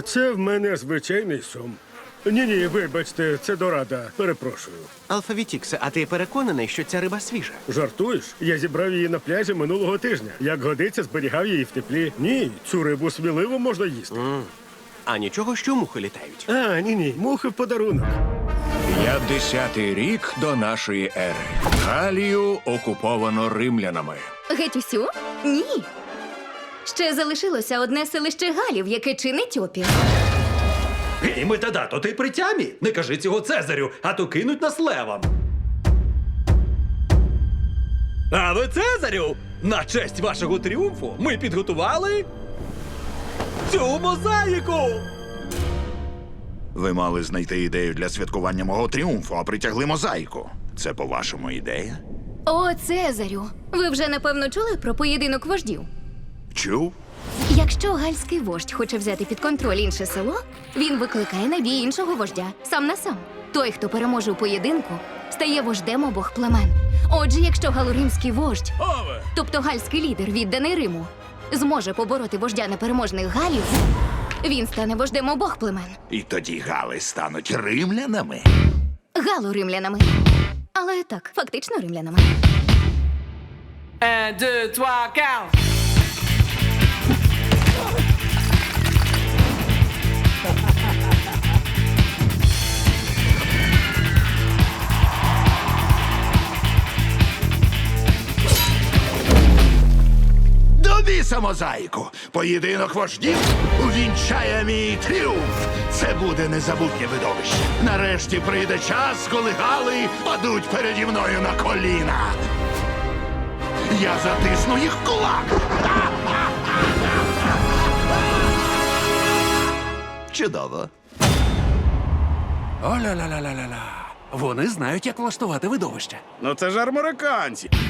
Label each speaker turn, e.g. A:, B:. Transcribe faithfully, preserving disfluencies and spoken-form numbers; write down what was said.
A: Це в мене звичайний сом. Ні-ні, вибачте, це дорада. Перепрошую.
B: Алфавітіксе, а ти переконаний, що ця риба свіжа?
A: Жартуєш? Я зібрав її на пляжі минулого тижня. Як годиться, зберігав її в теплі. Ні, цю рибу сміливо можна їсти.
B: А нічого, що мухи літають.
A: А, ні-ні, мухи в подарунок.
C: П'ятдесятий рік до нашої ери. Галію окуповано римлянами.
D: Геть усю? Ні. Ще залишилося одне селище Галів, яке чинить опір.
E: Гей, метадато, ти при тямі? Не кажи цього Цезарю, а то кинуть нас левам. А ви, Цезарю, на честь вашого тріумфу ми підготували цю мозаїку.
F: Ви мали знайти ідею для святкування мого тріумфу, а притягли мозаїку. Це, по-вашому, ідея?
D: О, Цезарю, ви вже напевно чули про поєдинок вождів?
F: Чув?
D: Якщо гальський вождь хоче взяти під контроль інше село, він викликає на бій іншого вождя, сам на сам. Той, хто переможе у поєдинку, стає вождем обох племен. Отже, якщо галоримський вождь, тобто гальський лідер, відданий Риму, зможе побороти вождя непереможних галів, він стане вождем обох племен.
F: І тоді гали стануть римлянами?
D: Гало-римлянами. Але так, фактично римлянами.
G: Un, deux, trois, quatre.
F: До біса мозаїку! Поєдинок вождів увінчає мій тріумф! Це буде незабутнє видовище. Нарешті прийде час, коли гали падуть переді мною на коліна. Я затисну їх в кулак! Чудово.
H: Оля-ля-ля-ля-ля-ля. Вони знають, як влаштувати видовище.
I: Ну це ж американці.